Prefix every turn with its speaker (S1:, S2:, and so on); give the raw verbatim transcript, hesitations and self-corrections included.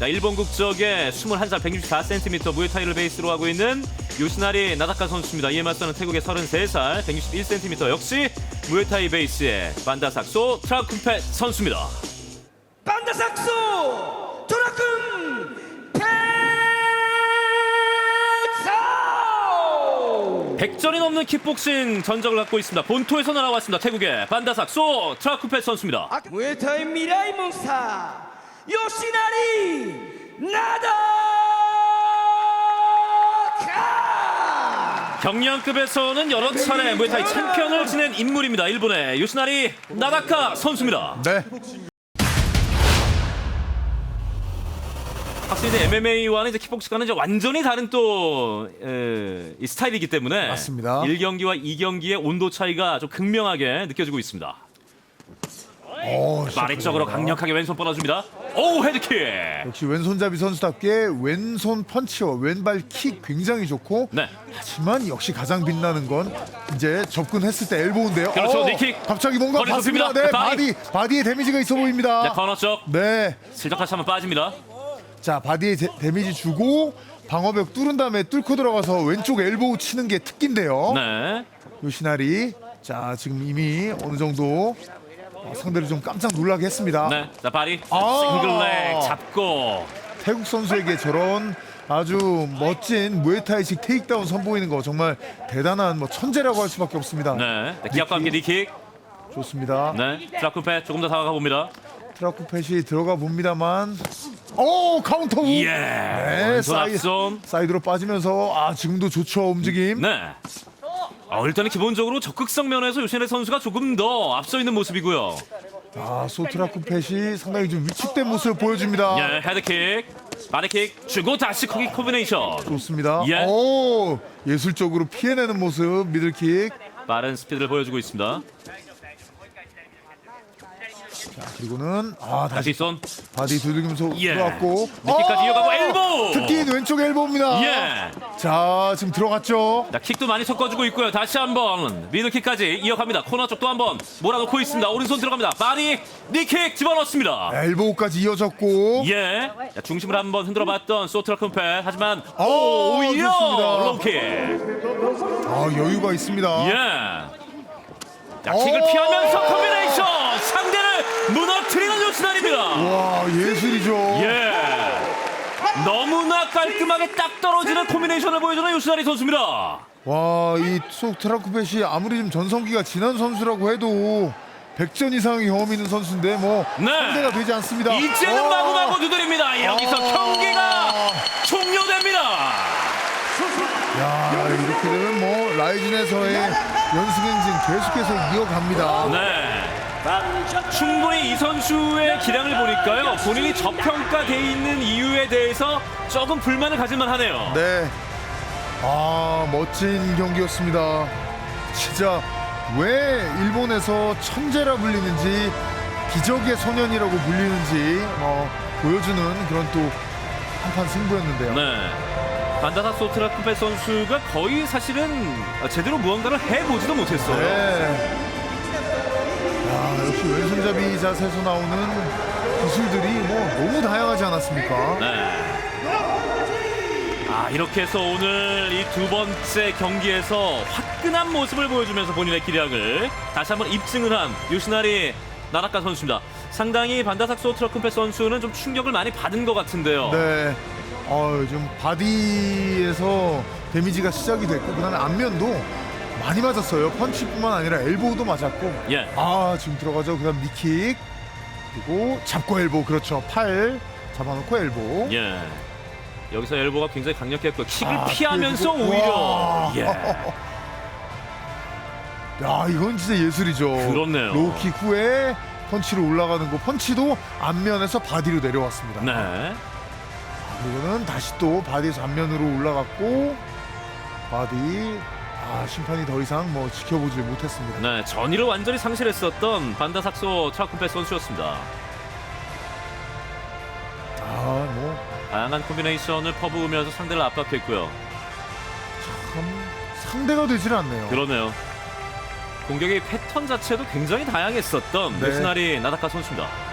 S1: 자, 일본 국적의 스물한 살 백육십사 센티미터 무에타이를 베이스로 하고 있는 요시나리 나다카 선수입니다. 이에 맞서는 태국의 서른세 살 백육십일 센티미터 역시 무에타이 베이스의 반다삭소 트라쿤펫 선수입니다.
S2: 반다삭소 트라쿤펫
S1: 백 전이 넘는 킥복싱 전적을 갖고 있습니다. 본토에서 날아왔습니다. 태국의 반다삭소 트라쿤펫 선수입니다.
S2: 무에타이 미라이 몬스타 요시나리 나다카.
S1: 경량급에서는 여러 차례 무에타이 챔피언을 지낸 인물입니다. 일본의 요시나리 나다카 선수입니다.
S3: 네.
S1: 확실히 이제 엠엠에이와는 이제 킥복싱과는 이제 완전히 다른 또 에, 이 스타일이기 때문에
S3: 맞습니다.
S1: 일 경기와 이 경기의 온도 차이가 좀 극명하게 느껴지고 있습니다.
S3: 오,
S1: 마리적으로 강력하게 왼손 뻗어줍니다. 오, 헤드킥.
S3: 역시 왼손잡이 선수답게 왼손 펀치와 왼발 킥 굉장히 좋고
S1: 네.
S3: 하지만 역시 가장 빛나는 건 이제 접근했을 때 엘보우인데요.
S1: 그렇죠,
S3: 어,
S1: 니킥.
S3: 갑자기 뭔가
S1: 거리
S3: 봤습니다.
S1: 좁힙니다.
S3: 네,
S1: 바디.
S3: 바디 바디에 데미지가 있어 보입니다.
S1: 네, 코너 쪽.
S3: 네.
S1: 슬쩍 다시 한번 빠집니다.
S3: 자, 바디에 데, 데미지 주고 방어벽 뚫은 다음에 뚫고 들어가서 왼쪽 엘보우 치는 게 특기인데요.
S1: 네.
S3: 요시나리. 자, 지금 이미 어느 정도 상대를 좀 깜짝 놀라게 했습니다.
S1: 네. 자, 바리.
S3: 아.
S1: 싱글렉 잡고.
S3: 태국 선수에게 저런 아주 멋진 무에타이식 테이크다운 선보이는 거 정말 대단한 뭐 천재라고 할 수밖에 없습니다.
S1: 네. 네, 기압과 함께 니킥.
S3: 좋습니다.
S1: 네. 트라쿤펫 조금 더 다가가 봅니다.
S3: 트라쿠펫이 들어가 봅니다만, 오 카운터 우.
S1: 예.
S3: 네,
S1: 왼손
S3: 사이,
S1: 앞손.
S3: 사이드로 빠지면서 아 지금도 좋죠 움직임.
S1: 네. 어, 일단은 기본적으로 적극성 면에서 요시나리 선수가 조금 더 앞서 있는 모습이고요.
S3: 아 소트라쿠펫이 상당히 좀 위축된 모습을 보여줍니다.
S1: 예, 헤드킥, 바디킥 주고 다시 코기 코비네이션.
S3: 좋습니다.
S1: 예.
S3: 오 예술적으로 피해내는 모습 미들킥.
S1: 빠른 스피드를 보여주고 있습니다.
S3: 자 그리고는 아 다시
S1: 다시 손.
S3: 바디 두들기면서
S1: 예.
S3: 들어왔고
S1: 니킥까지
S3: 어!
S1: 이어가고 엘보우.
S3: 특기인 왼쪽 엘보입니다.
S1: 예.
S3: 자 지금 들어갔죠.
S1: 자, 킥도 많이 섞어주고 있고요. 다시 한번 미들킥까지 이어갑니다. 코너 쪽 또 한번 몰아놓고 있습니다. 오른손 들어갑니다. 바디 니킥 집어넣습니다.
S3: 엘보우까지 이어졌고.
S1: 예. 자, 중심을 한번 흔들어봤던 소트라쿤펫. 하지만
S3: 어,
S1: 오, 오히려
S3: 좋습니다.
S1: 롱킥.
S3: 아 여유가 있습니다.
S1: 예. 자, 킥을
S3: 오!
S1: 피하면서 콤비네이션 상대를 무너뜨리는 요시나리입니다.
S3: 와 예술이죠.
S1: 예. 너무나 깔끔하게 딱 떨어지는 콤비네이션을 보여주는 요시나리 선수입니다.
S3: 와이 소트라쿠펫이 아무리 좀 전성기가 지난 선수라고 해도 백 전 이상의 경험 있는 선수인데 뭐
S1: 네.
S3: 상대가 되지 않습니다.
S1: 이제는
S3: 와.
S1: 마구마구 두드립니다. 여기서
S3: 아.
S1: 경기가 종료됩니다.
S3: 야 이렇게 되면 뭐 라이진에서의 연승행진 계속해서 이어갑니다.
S1: 네. 충분히 이 선수의 기량을 보니까요. 본인이 저평가돼 있는 이유에 대해서 조금 불만을 가질만 하네요.
S3: 네. 아 멋진 경기였습니다. 진짜 왜 일본에서 천재라 불리는지 기적의 소년이라고 불리는지 어, 보여주는 그런 또 한판 승부였는데요.
S1: 네. 반다삭소 트라쿤펫 선수가 거의 사실은 제대로 무언가를 해보지도 못했어요.
S3: 네. 야, 역시 왼손잡이 자세에서 나오는 기술들이 뭐 너무 다양하지 않았습니까?
S1: 네. 아, 이렇게 해서 오늘 이 두 번째 경기에서 화끈한 모습을 보여주면서 본인의 기량을 다시 한번 입증을 한 요시나리 나다카 선수입니다. 상당히 반다삭소 트라쿤펫 선수는 좀 충격을 많이 받은 것 같은데요.
S3: 네. 어, 좀 바디에서 데미지가 시작이 됐고 그다음에 안면도 많이 맞았어요. 펀치뿐만 아니라 엘보우도 맞았고.
S1: 예.
S3: 아 지금 들어가죠. 그다음 니킥 그리고 잡고 엘보 그렇죠. 팔 잡아놓고 엘보.
S1: 예. 여기서 엘보가 굉장히 강력했고 킥을
S3: 아,
S1: 피하면서
S3: 피해주고.
S1: 오히려
S3: 와.
S1: 예.
S3: 야 이건 진짜 예술이죠.
S1: 그렇네요.
S3: 로우킥 후에 펀치로 올라가는 거 펀치도 앞면에서 바디로 내려왔습니다.
S1: 네.
S3: 그리고는 다시 또 바디에서 앞면으로 올라갔고 바디 아 심판이 더 이상 뭐 지켜보지 못했습니다.
S1: 네, 전의를 완전히 상실했었던 반다삭소 트라쿤펫 선수였습니다.
S3: 아뭐
S1: 다양한 콤비네이션을 퍼부으면서 상대를 압박했고요.
S3: 참 상대가 되질 않네요.
S1: 그러네요. 공격의 패턴 자체도 굉장히 다양했었던
S3: 네.
S1: 요시나리 나다카 선수입니다.